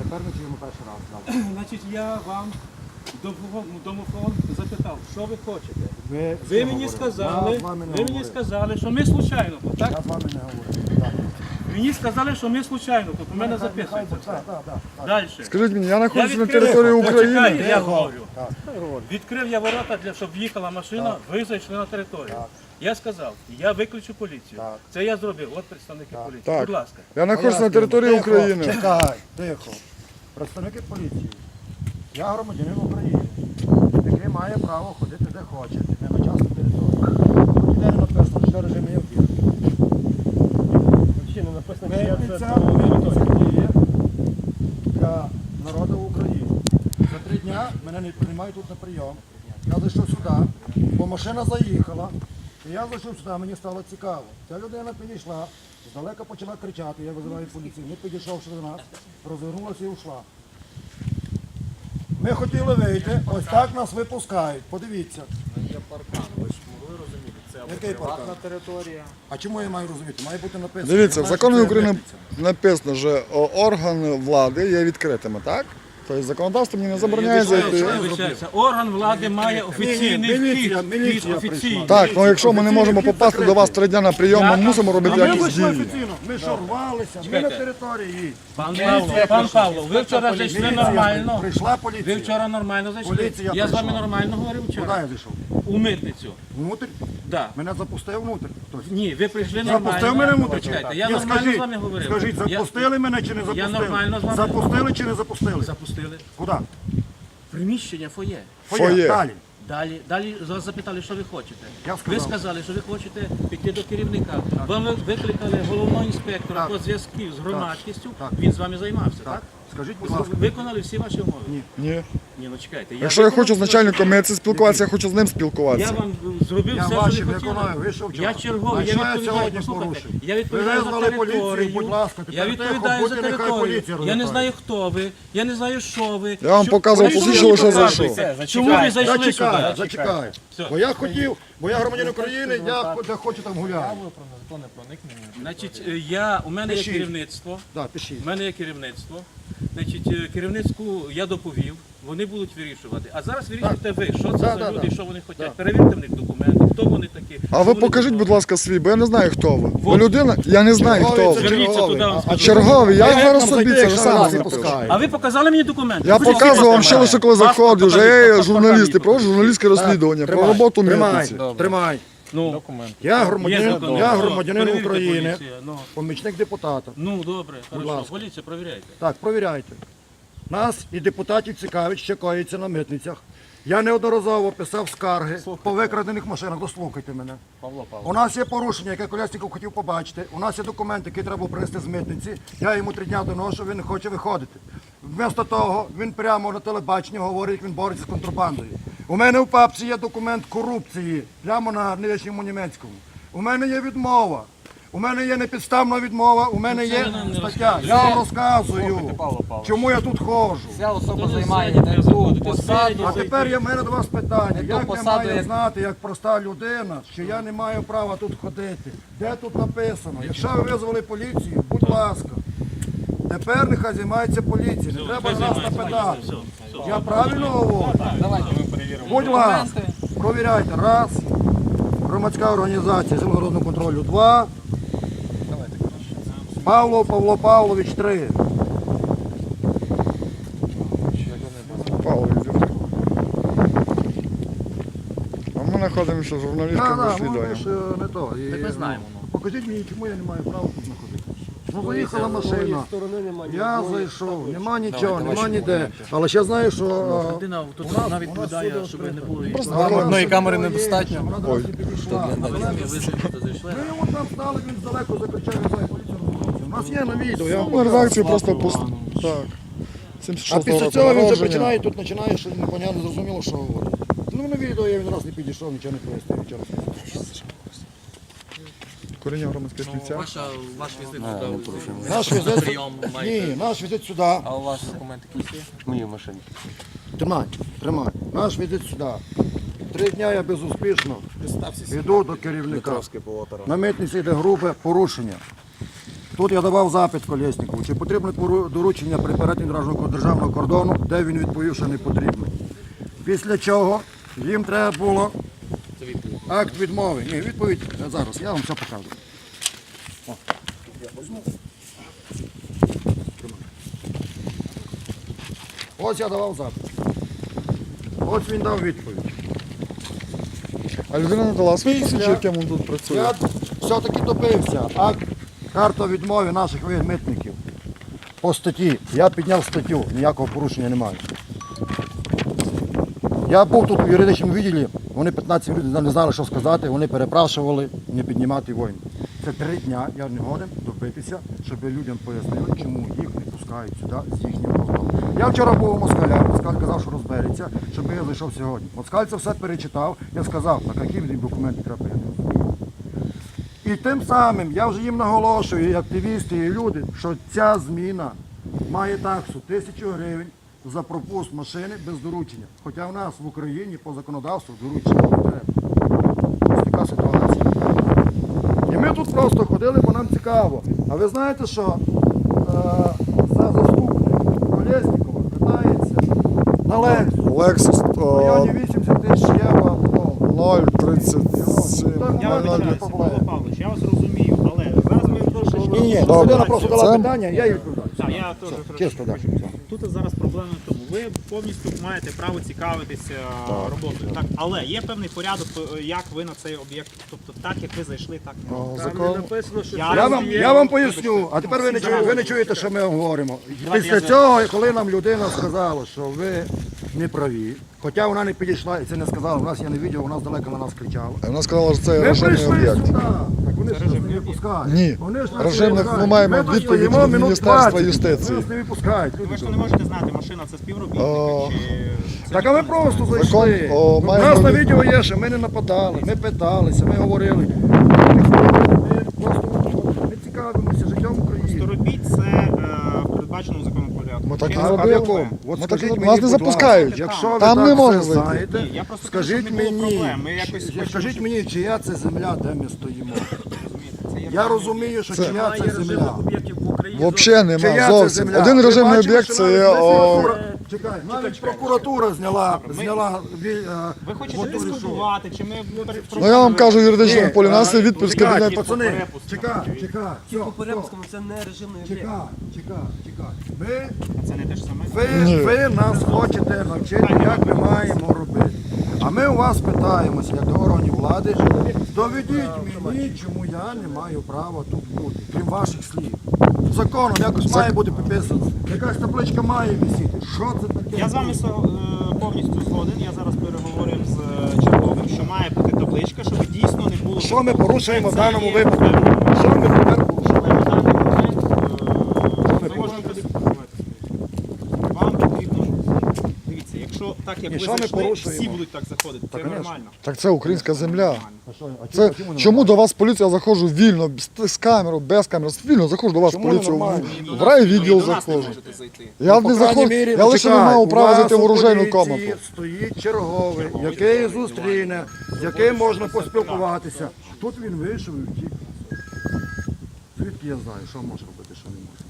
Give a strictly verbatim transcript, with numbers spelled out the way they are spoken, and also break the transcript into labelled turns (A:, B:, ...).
A: тепер ми чуємо перший раз.
B: Значить, я вам домофон, домофон запитав, що ви хочете.
A: Ви,
B: Ви мені сказали, ви мені сказали, що ми случайно тут, так?
A: Я з вами не говорю. Так.
B: Мені сказали, що ми случайно тут, у мене записується все.
A: Так, так, так.
B: Далі.
C: Скажіть мені, я знаходжуся на
B: відкрив-
C: території України.
B: Почекайте, я говорю.
A: Так.
B: Відкрив я ворота, для, щоб в'їхала машина, ви зайшли на територію.
A: Так.
B: Я сказав, я виключу поліцію.
A: Так.
B: Це я зробив, от представники поліції.
C: Так.
B: Будь ласка.
C: Я знаходжуся на території
A: Тихо,
C: України.
A: Чекай, тихо. Представники поліції. Я громадянин України, який має право ходити де хоче, не на частну територію. Ніде не написано, що режим є об'єкт.
B: Ще не написано, що я це
A: Митниця, митниця діє для народу України. За три дня мене не приймають тут на прийом. Я зайшов сюди, бо машина заїхала. І я зайшов сюди, мені стало цікаво. Ця людина підійшла, здалека почала кричати, я визиваю поліцію. Не підійшовши до нас, розвернулася і ушла. Ми хотіли вийти, ось так нас випускають. Подивіться.
D: Є паркан, ви ж могли розуміти, це або
A: Який
D: приватна
A: паркан?
D: територія.
A: А чому я маю розуміти? Має бути написано.
C: Дивіться, в
A: що
C: законі
A: це
C: України
A: митниця.
C: написано, що о, органи влади є відкритими, так? Тобто законодавство мені не забороняє зайти.
B: Вибачаюся, орган влади має офіційний
A: Ні, ні, міліція,
B: вхід.
A: міліція
B: Вхід офіційний.
A: прийшла.
C: Так, ну якщо ми не можемо попасти до вас три дня на прийом, ми мусимо
A: А
C: робити
A: ми
C: якісь
A: вийшли
C: дії.
A: офіційно, ми що рвалися, ми на території.
B: Пан Павло, пан Павло, ви вчора зайшли
A: Міліція
B: нормально.
A: Прийшла
B: Ви
A: поліція.
B: вчора нормально зайшли.
A: Поліція
B: Я з вами
A: прийшла.
B: нормально говорив
A: Куди
B: вчора.
A: я зайшов?
B: У митницю.
A: Внутрь?
B: Да.
A: Мене запустив внутрь. хтось.
B: Ні, ви прийшли нормально.
A: Запустив мене внутрь?
B: Почекайте, я
A: Ні,
B: нормально
A: скажіть,
B: з вами говорив.
A: Скажіть,
B: Я-
A: запустили мене чи не запустили?
B: нормально з вами-
A: Запустили чи не запустили?
B: Запустили.
A: Куди?
B: Приміщення фоє.
C: Фоє.
A: Далі.
B: Далі, далі вас запитали, що ви хочете.
A: Я
B: Ви
A: сказав.
B: сказали, що ви хочете піти до керівника. Вам ви викликали головного інспектора
A: Так.
B: по зв'язків з громадськістю.
A: Так.
B: Він з вами займався, так?
A: Так. Скажіть, будь
B: Ви
A: ласка.
B: виконали всі ваші умови?
A: Ні.
C: Ні.
B: Ні, ну чекайте. Я
C: Якщо я
B: виконав
C: хочу з
B: всі
C: начальником
B: ваші-
C: митниці спілкуватися, я хочу з ним
B: Я
C: спілкуватися.
B: вам зробив
A: Я
B: все,
A: ваші
B: що ви хотіли.
A: виконаю, ви що вчора?
B: Я черговий,
A: А
B: я
A: що я
B: відповідаю,
A: сьогодні
B: послухайте,
A: порушив?
B: я
A: Ви
B: відповідаю за
A: визвали поліцію,
B: територію,
A: будь ласка,
B: я
A: тепер
B: відповідаю
A: тихо,
B: за
A: будьте, нехай
B: територію,
A: поліція
B: я не
A: розбирає.
B: знаю, хто ви, я не знаю, що ви.
C: Я вам
B: Що-
C: показував,
B: Чому ви
C: посвідчили, що
B: показуєте?
C: зайшов.
B: Чому ви зайшли
A: Зачекай,
B: сюди?
A: зачекай.
B: Все.
A: Бо я хотів, бо я громадянин України, я де хочу там гуляю.
D: Правило про незаконне проникнення.
B: Значить, е, я, у мене є
A: Пишіть.
B: керівництво.
A: Так, пишіть.
B: У мене є керівництво. Значить, е, керівництву я доповів, вони будуть вирішувати. А зараз вирішуйте ви, що це
A: Да,
B: за
A: да,
B: люди,
A: да.
B: що вони хочуть.
A: Да.
B: Перевірте в них документи, хто вони такі.
C: А
B: що
C: ви
B: вони
C: покажіть,
B: тут
C: будь ласка, свій, бо я не знаю, хто ви. Ви
B: Вот.
C: людина? Я не знаю, хто
A: Черговий,
C: ви.
A: це
B: Зверніться
A: черговий.
B: туди, вам
A: А-
B: скажу.
A: а
C: Черговий, я
A: як
C: зараз
A: нам
C: собі
A: зайти,
C: це
A: якщо
C: сам
A: нас не
C: напишу.
A: пускають?
B: А ви показали мені документи?
C: Я
B: Покажіть
C: показував вам
B: паспорта.
C: ще лише коли
B: Паспорт
C: заходив, вже
B: покажіть,
C: є
B: паспорт
C: журналісти,
B: покажіть.
C: про журналістське розслідування, про
A: Тримай,
C: роботу
A: тримай,
C: митниці.
A: Тримай.
B: Ну,
D: Документ.
A: Я
B: є
A: громадянин,
B: закон.
A: я
B: Ну,
A: громадянин
B: перевірте,
A: України,
B: поліція, ну.
A: помічник депутата.
B: Ну, добре, хорошо.
A: ласка.
B: Поліція, провіряйте.
A: Так, провіряйте. Нас і депутатів цікавить, що коїться на митницях. Я неодноразово писав скарги по викрадених машинах. Дослухайте мене.
D: Павло Павло.
A: У нас є порушення, яке Колєсніков хотів побачити. У нас є документи, які треба принести з митниці. Я йому три дня доношу, він не хоче виходити. Вмісто того, він прямо на телебаченні говорить, він бореться з контрабандою. У мене в папці є документ корупції, прямо на нижньому німецькому. У мене є відмова. У мене є непідставна відмова, у мене є
B: ви нам не
A: стаття. Я вам розказую,
D: Павло Павлович.
A: чому я тут ходжу.
D: Ця особа
B: Хто
D: займає
B: не
D: не ту
B: заходите,
D: посаду.
B: спереді
A: А тепер є в мене до вас питання.
D: Не ту
A: Як я
D: посаду,
A: маю
D: як-
A: знати, як проста людина, що я не маю права тут ходити? Де тут написано? Якщо ви визвали поліцію, будь ласка. Тепер нехай займається поліція. Не треба нас напитати.
B: Все, все.
A: Я правильно говорю?
D: Давайте ми перевіримо.
A: Будь ласка, провіряйте. Раз. Громадська організація землеродного контролю. Два. Павло Павло Павлович. Три.
C: Павло, йди. А ми знаходимося в
A: Так,
C: журналістському
A: так, ну,
C: розслідуванні.
A: ж, е, не то. І,
B: ми знаємо,
A: ну, покажіть мені, чому я не маю права тут знаходитися. Ну, заїхала машина, я зайшов, нема нічого, нема ніде. Але ще знаю, що е,
B: Людина тут вона відповідає, щоб не було її.
D: Одної камери недостатньо.
A: вона до нас не підійшла.
B: Ви визначите, зайшли.
A: Ми от там стали, він здалеку закричав, я знаю, поліція розбереться. У нас є на відео, я вам
C: Ну,
A: покажу.
C: редакцію просто пуст... Так.
A: А
C: сімдесят шостого
A: після
C: року
A: цього він вже
C: народження.
A: починає, тут починає, що непонятно, зрозуміло, що говорить. Ну, на відео я він раз не підійшов, нічого не пояснив, нічого не сказав.
C: Коріння громадських співця.
E: Ваша, ваш візит сюди.
A: Наш візит,
E: Прийом
A: ні,
E: маєте.
A: наш візит сюди.
D: А у вас документи якісь є?
F: Мої машини.
A: Тримай, тримай. Наш візит сюди. Три дня я безуспішно йду до керівника. На митниці йде грубе порушення. Тут я давав запит Колєснікову, чи потрібне пору- доручення при перетині державного державного кордону, де він відповів, що не потрібно. Після чого їм треба було акт відмови. Ні, відповідь е, зараз, я вам все покажу. О, я візьму. Тримай. Ось я давав запит. Ось він дав відповідь.
C: А людина не дала свої свідчення, яким він тут працює.
A: Я все-таки добився. Акт, карта відмови наших митників по статті. Я підняв статтю, ніякого порушення немає. Я був тут у юридичному відділі, вони п'ятнадцять хвилин не знали, що сказати, вони перепрашували не піднімати воїн. Це три дня, я не годен добитися, щоб людям пояснили, чому їх не пускають сюди з їхнім авто. Я вчора був у Москаля, Москаль казав, що розбереться, щоб я зайшов сьогодні. Москаль це все перечитав, я сказав, на які їм документи треба, я не розумію. І тим самим я вже їм наголошую, і активісти, і люди, що ця зміна має таксу тисячу гривень за пропуск машини без доручення. Хоча в нас в Україні по законодавству доручення не треба. Ось така ситуація. І ми тут просто ходили, бо нам цікаво. А ви знаєте, що е, за заступник Колєснікова питається на Лексус
C: Lexus
A: в
C: о,
A: районі вісімдесят тисяч євро.
C: нуль тридцять сім.
F: Я
A: Нуль, нуль,
F: вибачаюся,
A: нуль.
F: Павло Павлович, я вас розумію, але зараз ми трошечки...
A: Ні, ні,
C: Добре.
A: людина просто дала
C: Це-
A: питання, я їй відповідаю.
F: Так, я теж
A: Чисто,
F: трошечки
A: так.
F: хочу. Тут зараз проблема в тому, ви повністю маєте право цікавитися роботою, так? Але є певний порядок, як ви на цей об'єкт, тобто так, як ви зайшли, так не
C: О,
F: можна.
C: Закон.
B: Написано, що
F: Я
A: Я вам,
F: розумію.
A: я вам поясню, а тепер ви не чуєте, ви не чуєте, що ми говоримо. Після
F: я
A: цього, коли нам людина сказала, що ви не праві, хоча вона не підійшла і це не сказала, у нас я не відео, вона здалека на нас кричала.
C: А Вона сказала, що це
A: Ми
C: режимний
A: прийшли
C: об'єкт.
A: сюди, так вони ж нас не випускають.
C: Ні.
A: Вони ж нас не
C: Режимних
A: випускають.
C: ми маємо
A: тут
C: відповідь
A: стоїмо
C: від
A: минут
C: Міністерства
A: двадцять,
C: юстиції.
A: Нас не випускають.
F: Ви
A: люди
F: ж не
A: добрі.
F: можете знати, машина це співробітники
C: О.
F: чи...
A: Так а ми просто зайшли.
C: о,
A: У
C: маємо
A: нас на
C: від-
A: відео є, що ми не нападали, ми питалися, ми говорили. Ми просто не цікавимося життям України.
F: Робіть це е, в передбаченому законом порядку.
C: Ми так і
F: Чи-
A: А, а в
C: робили.
A: якому? От
C: Ми
A: скажіть
C: так і-
A: мені,
C: нас не
A: будь
C: запускають.
A: ласка, якщо ви
C: Там
A: так
C: не
A: все
C: можна зайти.
A: знаєте,
F: Ні, я просто кажу,
A: скажіть
F: щоб не було
A: мені,
F: проблем. Ми якось хочемо,
A: скажіть
F: щоб-
A: мені, чия це земля, де ми стоїмо.
F: Розумієте, це є
A: Я розумію, що чия
B: немає
A: це земля.
B: режимних об'єктів в Україні.
C: Взагалі
A: Чия
C: нема
A: це
C: зовсім.
A: земля?
C: Один
A: Ви
C: режимний
A: бачили,
C: об'єкт
A: що
C: це
A: навіть
C: є. о,
A: прокуратура- Чекай, навіть прокуратура зняла, зняла ві- е,
F: Ви хочете
A: от ту
F: дискутувати, чи ми... перед-
C: Ну я вам кажу, в юридичному
A: Ні,
C: полі нас є
A: а,
C: відповідь з
A: чекай,
C: кабінету.
A: пацани,
F: перепустку.
A: чекай, чекай, все,
E: По
A: все.
E: перепускам це не режимний об'єкт.
A: Чекай, чекай, чекай. Ви,
F: Це не те ж саме?
A: ви,
C: Ні.
A: ви нас хочете навчити, як ми маємо робити. А ми у вас питаємося, як до органів влади, доведіть мені, чому я не маю права тут бути, крім ваших слів. Законом якось має бути підписано. Якась табличка має висіти. Що це таке?
F: Я з вами со- е, повністю згоден. Я зараз переговорив з е, черговим, що має бути табличка, щоб дійсно не було...
A: Що ми порушуємо в
F: Це
A: даному
F: є
A: випадку?
F: певний
A: Що ми тепер порушуємо?
F: Але на даний момент е, ми можемо подискутувати. Вам потрібно... Дивіться, якщо так, як
A: І
F: ви
A: що ми
F: зайшли,
A: порушуємо?
F: всі будуть так заходити. Це
A: конечно.
F: нормально.
C: Так це українська земля.
A: А що, а
C: Це
A: чому не
C: чому до вас поліція, я заходжу вільно, з, з камерою, без камери, вільно заходжу до вас
A: Чому
C: поліцію,
A: нормально?
C: в, в райвідділ
F: Ви до нас не
C: заходжу.
F: можете зайти.
C: Я
A: Ну,
C: не
A: по крайній
C: заходжу,
A: мірі,
C: я лише не
A: почекай,
C: мав
A: у
C: права
A: вас
C: зайти в
A: у
C: оружейну
A: поліції
C: комнату.
A: Стоїть черговий, який зустріне, з яким можна поспілкуватися. Тут він вийшов і втік. Звідки я знаю, що може робити, що не може?